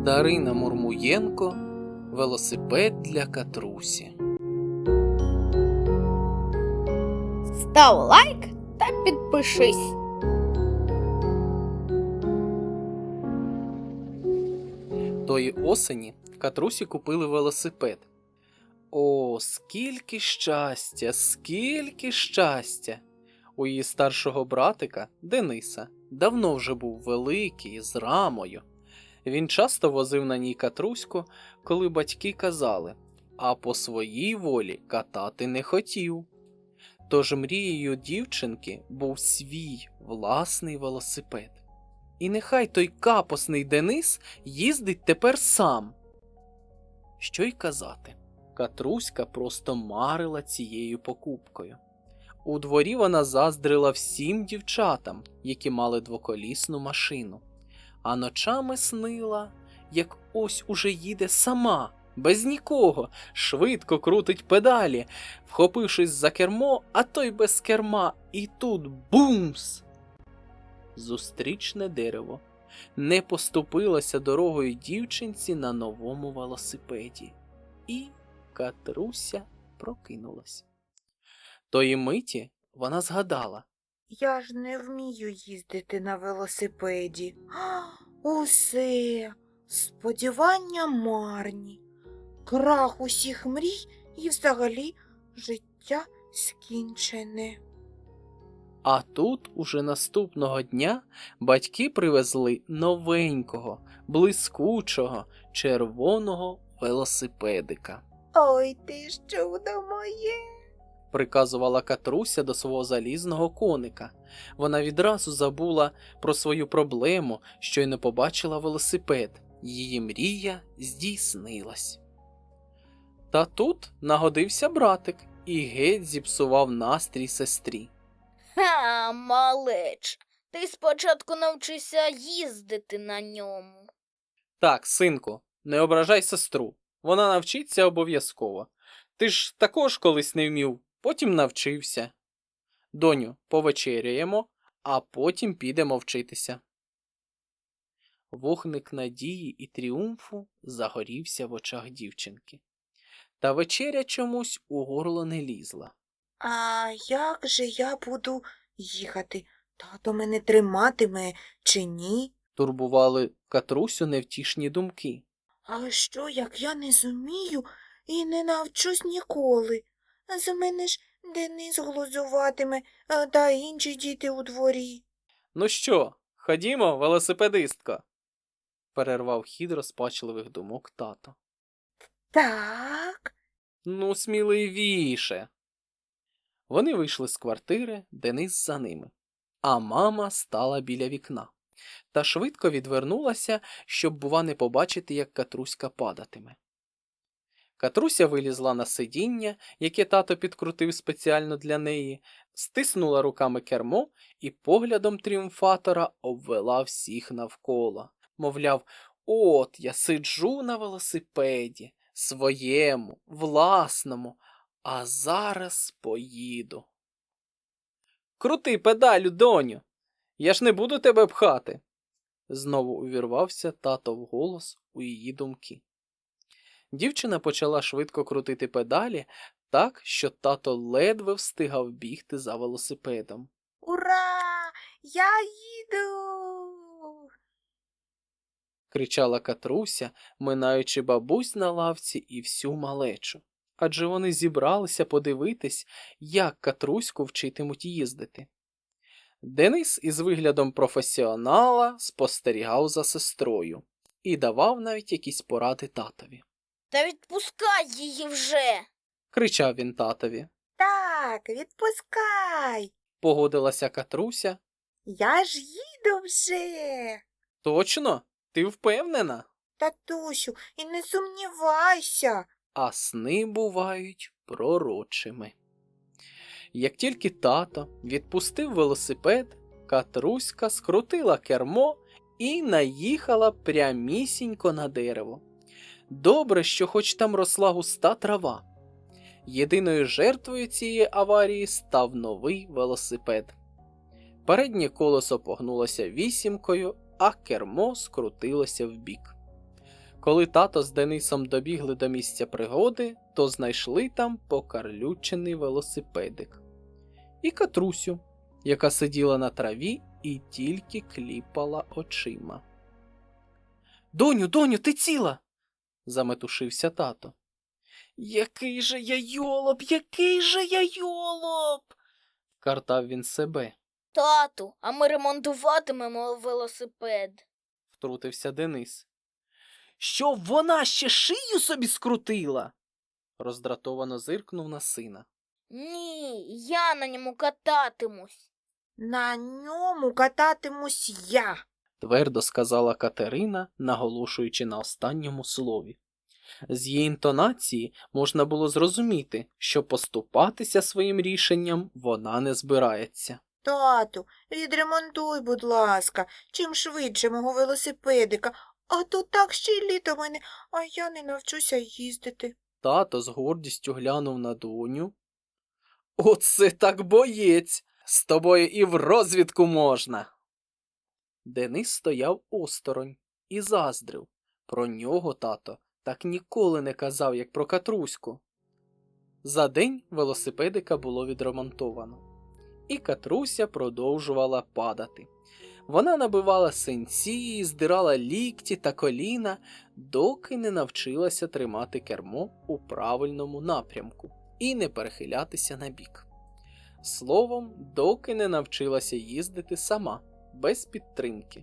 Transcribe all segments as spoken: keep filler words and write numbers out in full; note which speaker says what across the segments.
Speaker 1: Дарина Мурмуєнко. Велосипед для Катрусі.
Speaker 2: Став лайк та підпишись.
Speaker 1: Тої осені Катрусі купили велосипед. О, скільки щастя, скільки щастя! У її старшого братика, Дениса, давно вже був великий, з рамою. Він часто возив на ній Катруську, коли батьки казали, а по своїй волі катати не хотів. Тож мрією дівчинки був свій власний велосипед. І нехай той капосний Денис їздить тепер сам. Що й казати, Катруська просто марила цією покупкою. У дворі вона заздрила всім дівчатам, які мали двоколісну машину. А ночами снила, як ось уже їде сама, без нікого, швидко крутить педалі, вхопившись за кермо, а то й без керма, і тут бумс! Зустрічне дерево не поступилося дорогою дівчинці на новому велосипеді. І Катруся прокинулась. Тої миті вона згадала.
Speaker 3: Я ж не вмію їздити на велосипеді. А, усе, сподівання марні, крах усіх мрій і взагалі життя скінчене.
Speaker 1: А тут уже наступного дня батьки привезли новенького, блискучого, червоного велосипедика.
Speaker 3: Ой ти ж чудо моє!
Speaker 1: Приказувала Катруся до свого залізного коника. Вона відразу забула про свою проблему, що й не побачила велосипед. Її мрія здійснилась. Та тут нагодився братик і геть зіпсував настрій сестрі.
Speaker 2: Ха, малеч, ти спочатку навчися їздити на ньому.
Speaker 1: Так, синку, не ображай сестру. Вона навчиться обов'язково. Ти ж також колись не вмів, потім навчився. Доню, повечеряємо, а потім підемо вчитися. Вогник надії і тріумфу загорівся в очах дівчинки. Та вечеря чомусь у горло не лізла.
Speaker 3: А як же я буду їхати? Тато мене триматиме чи ні?
Speaker 1: Турбували Катрусю невтішні думки.
Speaker 3: А що, як я не зумію і не навчусь ніколи? З мене ж Денис глузуватиме, а та інші діти у дворі.
Speaker 1: Ну що, ходімо, велосипедистко? Перервав хід розпачливих думок тато.
Speaker 3: Так?
Speaker 1: Ну, сміливіше. Вони вийшли з квартири, Денис за ними. А мама стала біля вікна. Та швидко відвернулася, щоб, бува, не побачити, як Катруська падатиме. Катруся вилізла на сидіння, яке тато підкрутив спеціально для неї, стиснула руками кермо і поглядом тріумфатора обвела всіх навколо. Мовляв, от я сиджу на велосипеді, своєму, власному, а зараз поїду. Крути педалю, доню, я ж не буду тебе пхати. Знову увірвався татов голос у її думки. Дівчина почала швидко крутити педалі так, що тато ледве встигав бігти за велосипедом.
Speaker 3: Ура! Я їду!
Speaker 1: Кричала Катруся, минаючи бабусь на лавці і всю малечу. Адже вони зібралися подивитись, як Катруську вчитимуть їздити. Денис із виглядом професіонала спостерігав за сестрою і давав навіть якісь поради татові.
Speaker 2: Та відпускай її вже.
Speaker 1: Кричав він татові.
Speaker 3: Так, відпускай.
Speaker 1: Погодилася Катруся.
Speaker 3: Я ж їду вже.
Speaker 1: Точно? Ти впевнена?
Speaker 3: Татусю, і не сумнівайся.
Speaker 1: А сни бувають пророчими. Як тільки тато відпустив велосипед, Катруська скрутила кермо і наїхала прямісінько на дерево. Добре, що хоч там росла густа трава. Єдиною жертвою цієї аварії став новий велосипед. Переднє колесо погнулося вісімкою, а кермо скрутилося вбік. Коли тато з Денисом добігли до місця пригоди, то знайшли там покарлючений велосипедик. І Катрусю, яка сиділа на траві і тільки кліпала очима. «Доню, доню, ти ціла?» – заметушився тато. «Який же я йолоп, який же я йолоп!» – картав він себе.
Speaker 2: Тату, а ми ремонтуватимемо велосипед.
Speaker 1: – втрутився Денис. «Щоб вона ще шию собі скрутила?» – роздратовано зиркнув на сина.
Speaker 2: Ні, я на ньому кататимусь.
Speaker 3: На ньому кататимусь я.
Speaker 1: Твердо сказала Катерина, наголошуючи на останньому слові. З її інтонації можна було зрозуміти, що поступатися своїм рішенням вона не збирається.
Speaker 3: Тату, відремонтуй, будь ласка, чим швидше мого велосипедика, а то так ще й літо мене, а я не навчуся їздити.
Speaker 1: Тато з гордістю глянув на доню. «Оце так боєць! З тобою і в розвідку можна!» Денис стояв осторонь і заздрив. Про нього тато так ніколи не казав, як про Катруську. За день велосипедика було відремонтовано. І Катруся продовжувала падати. Вона набивала синці, здирала лікті та коліна, доки не навчилася тримати кермо у правильному напрямку і не перехилятися на бік. Словом, доки не навчилася їздити сама, без підтримки.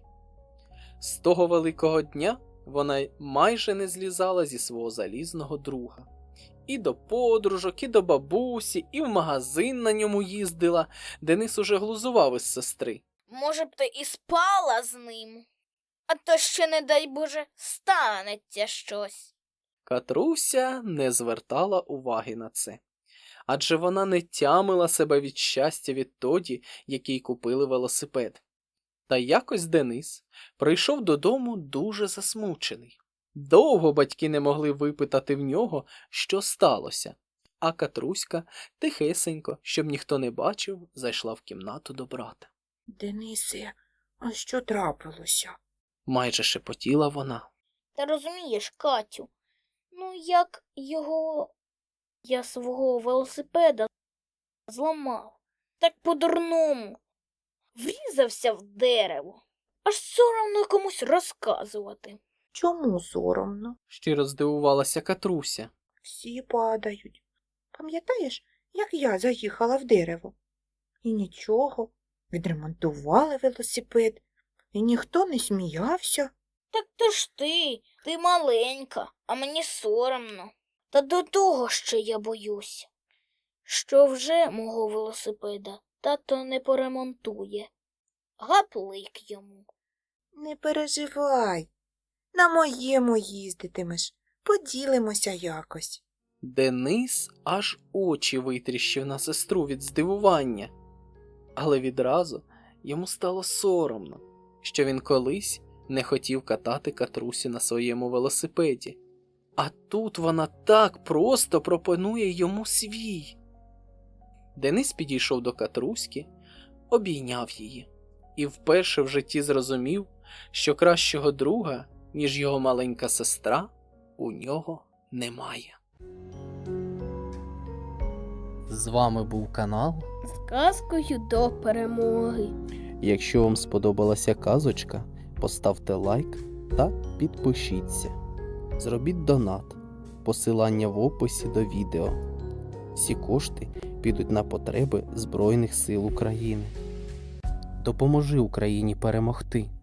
Speaker 1: З того великого дня вона майже не злізала зі свого залізного друга. І до подружок, і до бабусі, і в магазин на ньому їздила. Денис уже глузував із сестри.
Speaker 2: Може б ти і спала з ним, а то ще, не дай Боже, станеться щось.
Speaker 1: Катруся не звертала уваги на це. Адже вона не тямила себе від щастя відтоді, як їй купили велосипед. Та якось Денис прийшов додому дуже засмучений. Довго батьки не могли випитати в нього, що сталося, а Катруська тихесенько, щоб ніхто не бачив, зайшла в кімнату до брата.
Speaker 3: Денисе, а що трапилося?
Speaker 1: Майже шепотіла вона.
Speaker 2: Та розумієш, Катю, ну як його... Я свого велосипеда зламав. Так по-дурному. Врізався в дерево. Аж соромно комусь розказувати.
Speaker 3: Чому соромно?
Speaker 1: Щиро здивувалася Катруся.
Speaker 3: Всі падають. Пам'ятаєш, як я заїхала в дерево? І нічого, відремонтували велосипед, і ніхто не сміявся.
Speaker 2: Так то ж ти, ти маленька, а мені соромно. Та до того ще я боюсь, що вже мого велосипеда тато не поремонтує. Гаплик йому.
Speaker 3: Не переживай, на моєму їздитимеш, поділимося якось.
Speaker 1: Денис аж очі витріщив на сестру від здивування. Але відразу йому стало соромно, що він колись не хотів катати Катрусю на своєму велосипеді. А тут вона так просто пропонує йому свій. Денис підійшов до Катруськи, обійняв її і вперше в житті зрозумів, що кращого друга, ніж його маленька сестра, у нього немає. З вами був канал.
Speaker 2: З казкою до перемоги.
Speaker 1: Якщо вам сподобалася казочка, поставте лайк та підпишіться. Зробіть донат. Посилання в описі до відео. Всі кошти підуть на потреби Збройних сил України. Допоможи Україні перемогти.